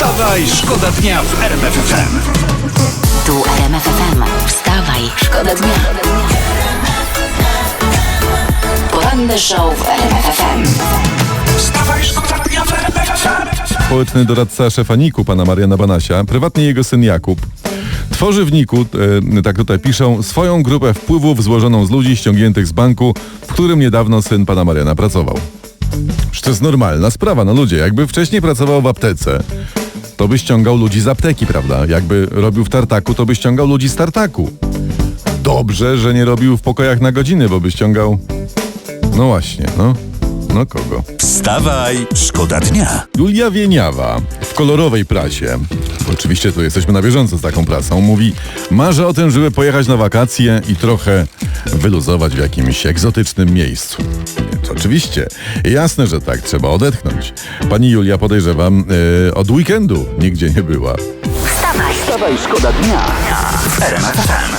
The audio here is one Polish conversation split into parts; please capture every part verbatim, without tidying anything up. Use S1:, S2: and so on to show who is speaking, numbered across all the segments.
S1: Wstawaj, szkoda dnia w R M F F M.
S2: Tu R M F F M. Wstawaj, szkoda dnia. Poranny show w R M F F M.
S1: Wstawaj, szkoda dnia w R M F F M.
S3: Społeczny doradca szefa niku, pana Mariana Banasia, prywatnie jego syn Jakub, tworzy w niku, e, tak tutaj piszą, swoją grupę wpływów złożoną z ludzi ściągniętych z banku, w którym niedawno syn pana Mariana pracował. Przecież to jest normalna sprawa, no ludzie, jakby wcześniej pracował w aptece, to by ściągał ludzi z apteki, prawda? Jakby robił w tartaku, to by ściągał ludzi z tartaku. Dobrze, że nie robił w pokojach na godziny, bo by ściągał... No właśnie, no. No kogo?
S1: Wstawaj, szkoda dnia.
S3: Julia Wieniawa w kolorowej prasie, oczywiście tu jesteśmy na bieżąco z taką prasą, mówi: marzę o tym, żeby pojechać na wakacje i trochę wyluzować w jakimś egzotycznym miejscu. Więc oczywiście, jasne, że tak, trzeba odetchnąć. Pani Julia, podejrzewam, yy, od weekendu nigdzie nie była.
S2: Wstawaj,
S1: Wstawaj, szkoda dnia w R M F F M.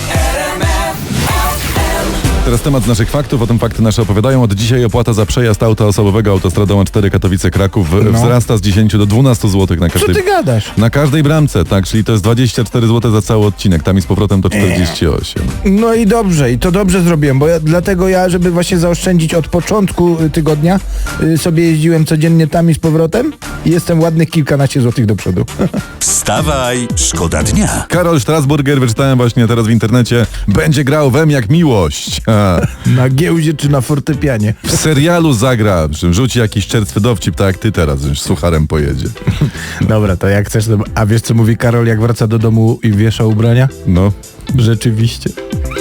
S3: Teraz temat z naszych faktów, o tym fakty nasze opowiadają. Od dzisiaj opłata za przejazd auta osobowego autostradą A cztery Katowice-Kraków w-
S4: No.
S3: wzrasta z dziesięciu do dwunastu złotych na
S4: Co
S3: każdej...
S4: ty gadasz?
S3: Na każdej bramce, tak, czyli to jest dwadzieścia cztery złote za cały odcinek, tam i z powrotem to czterdzieści osiem.
S4: No i dobrze, i to dobrze zrobiłem, bo ja, dlatego ja, żeby właśnie zaoszczędzić od początku y, tygodnia, y, sobie jeździłem codziennie tam i z powrotem i jestem ładnych kilkanaście złotych do przodu.
S1: Wstawaj, szkoda dnia.
S3: Karol Strasburger, wyczytałem właśnie teraz w internecie, będzie grał wem jak miłość. A,
S4: Na giełdzie czy na fortepianie.
S3: w serialu zagra, że rzuci jakiś czerstwy dowcip, tak jak ty teraz, że z sucharem pojedzie.
S4: Dobra, to jak chcesz, to... a wiesz co mówi Karol, jak wraca do domu i wiesza ubrania?
S3: No.
S4: Rzeczywiście.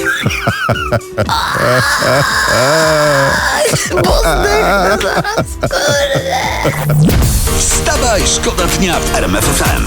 S1: Wstawaj, szkoda dnia w R M F F M.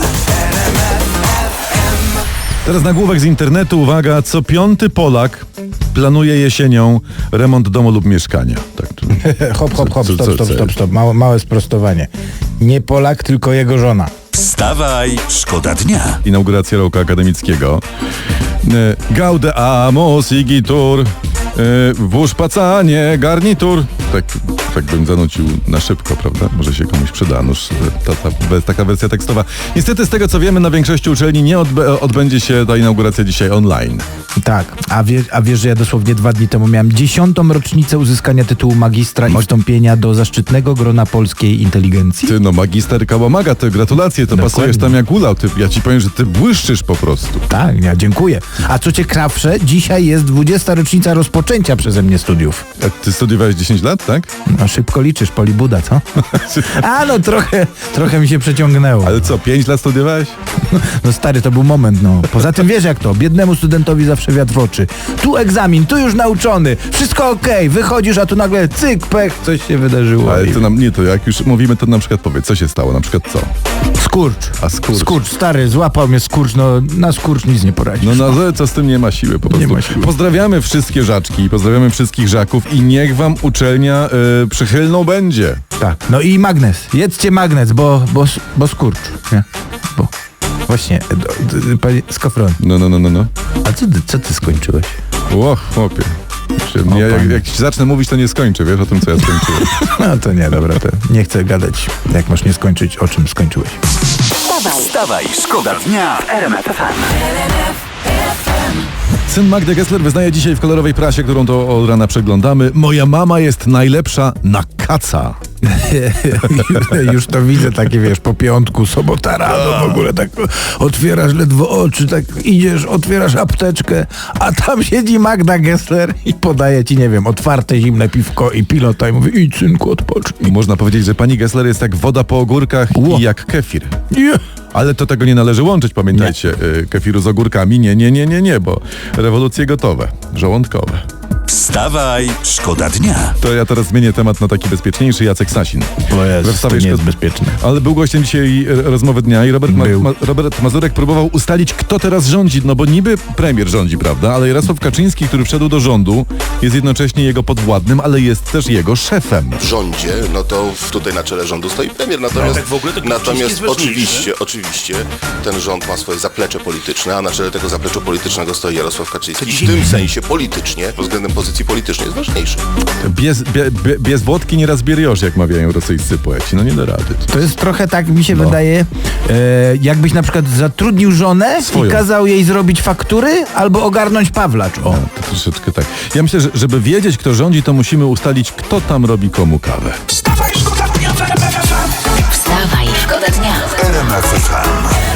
S3: Teraz nagłówek z internetu, uwaga, co piąty Polak planuje jesienią remont domu lub mieszkania. Tak, tu.
S4: Hop, hop, hop,
S3: Co-
S4: stop,
S3: co-
S4: stop,
S3: co-
S4: stop, stop. Małe, małe sprostowanie. Nie Polak, tylko jego żona.
S1: Wstawaj, szkoda dnia.
S3: Inauguracja roku akademickiego. E, Gaude amos igitur, e, włóż pacanie, garnitur. Tak, tak bym zanucił na szybko, prawda? Może się komuś przyda. Noż, ta, ta, ta, taka wersja tekstowa. Niestety z tego co wiemy, na większości uczelni nie odbę- odbędzie się ta inauguracja dzisiaj online.
S4: Tak, a, wie, a wiesz, że ja dosłownie dwa dni temu miałem dziesiątą rocznicę uzyskania tytułu magistra i wstąpienia do zaszczytnego grona polskiej inteligencji.
S3: Ty, no magister Kałamaga, to gratulacje, to
S4: Dokładnie.
S3: pasujesz tam jak ulał. Ty, ja ci powiem, że ty błyszczysz po prostu.
S4: Tak, ja dziękuję. A co ciekawsze, dzisiaj jest dwudziesta rocznica rozpoczęcia przeze mnie studiów.
S3: A ty studiowałeś dziesięć lat, tak?
S4: No szybko liczysz, Polibuda, co? A no trochę, trochę mi się przeciągnęło.
S3: Ale co, pięć lat studiowałeś?
S4: No stary, to był moment, no. Poza tym wiesz jak to, biednemu studentowi zawsze wiatr w oczy. Tu egzamin, tu już nauczony, wszystko okej, wychodzisz, a tu nagle cyk, pech, coś się wydarzyło.
S3: Ale
S4: I-
S3: to nam, nie, to jak już mówimy, to na przykład powiedz, co się stało, na przykład co?
S4: Skurcz.
S3: A skurcz?
S4: Skurcz, stary, złapał mnie skurcz, no na skurcz nic nie poradzisz.
S3: No na złe, co z tym nie ma siły po prostu.
S4: ma siły.
S3: Pozdrawiamy wszystkie żaczki, pozdrawiamy wszystkich żaków i niech wam uczelnia y, przychylną będzie.
S4: Tak. No i magnes. Jedzcie magnes, bo, bo, bo skurcz. Nie? Bo. Właśnie, e, do- d- panie Skofron,
S3: No, no, no, no, no.
S4: a co ty, co ty skończyłeś?
S3: Ło, chłopie. Się- Ja, jak,
S4: panie.
S3: jak ci zacznę mówić, to nie skończę, wiesz, o tym, co ja skończyłem.
S4: No to nie, dobra, to nie chcę gadać, jak masz nie skończyć, o czym skończyłeś.
S2: wstawaj,
S1: Wstawaj, szkoda dnia w R M F F M.
S3: Syn Magdy Gessler wyznaje dzisiaj w kolorowej prasie, którą to od rana przeglądamy: moja mama jest najlepsza na kaca.
S4: Już to widzę, takie wiesz, po piątku, sobota rano, w ogóle tak otwierasz ledwo oczy, tak idziesz, otwierasz apteczkę, a tam siedzi Magda Gessler i podaje ci, nie wiem, otwarte zimne piwko i pilota i mówi: idź synku, odpocznij.
S3: Można powiedzieć, że pani Gessler jest jak woda po ogórkach
S4: Ło.
S3: i jak kefir.
S4: Nie.
S3: Ale to tego nie należy łączyć, pamiętajcie, y, kefiru z ogórkami. Nie, nie, nie, nie, nie, bo rewolucje gotowe, żołądkowe.
S1: Wstawaj, szkoda dnia.
S3: To ja teraz zmienię temat na taki bezpieczniejszy. Jacek Sasin.
S4: O Jezu,
S3: We wstawie
S4: to nie jest
S3: szko-
S4: bezpieczne.
S3: Ale był gościem dzisiaj e, rozmowy dnia i Robert, ma-
S4: Był.
S3: ma- Robert Mazurek próbował ustalić, kto teraz rządzi. No bo niby premier rządzi, prawda? Ale Jarosław Kaczyński, który wszedł do rządu, jest jednocześnie jego podwładnym, ale jest też jego szefem.
S5: w rządzie, no to w- tutaj na czele rządu stoi premier. Natomiast,
S6: tak w ogóle to Kaczyński
S5: natomiast
S6: jest ważniejszy.
S5: oczywiście, oczywiście ten rząd ma swoje zaplecze polityczne, a na czele tego zaplecza politycznego stoi Jarosław Kaczyński. I w tym sensie politycznie, pod względem pozycji politycznej jest ważniejszy.
S3: Bez, bie, bie, bez wodki nieraz bieriosz, jak mawiają rosyjscy poeci. No nie da rady.
S4: To jest trochę tak, mi się
S3: No.
S4: wydaje, e, jakbyś na przykład zatrudnił żonę
S3: Swoją.
S4: i kazał jej zrobić faktury albo ogarnąć Pawlacz. O.
S3: To troszeczkę tak. Ja myślę, że żeby wiedzieć, kto rządzi, to musimy ustalić, kto tam robi komu kawę.
S1: Wstawaj, szkoda dnia w R M F F M.
S2: Wstawaj, szkoda dnia.
S6: R M F F M.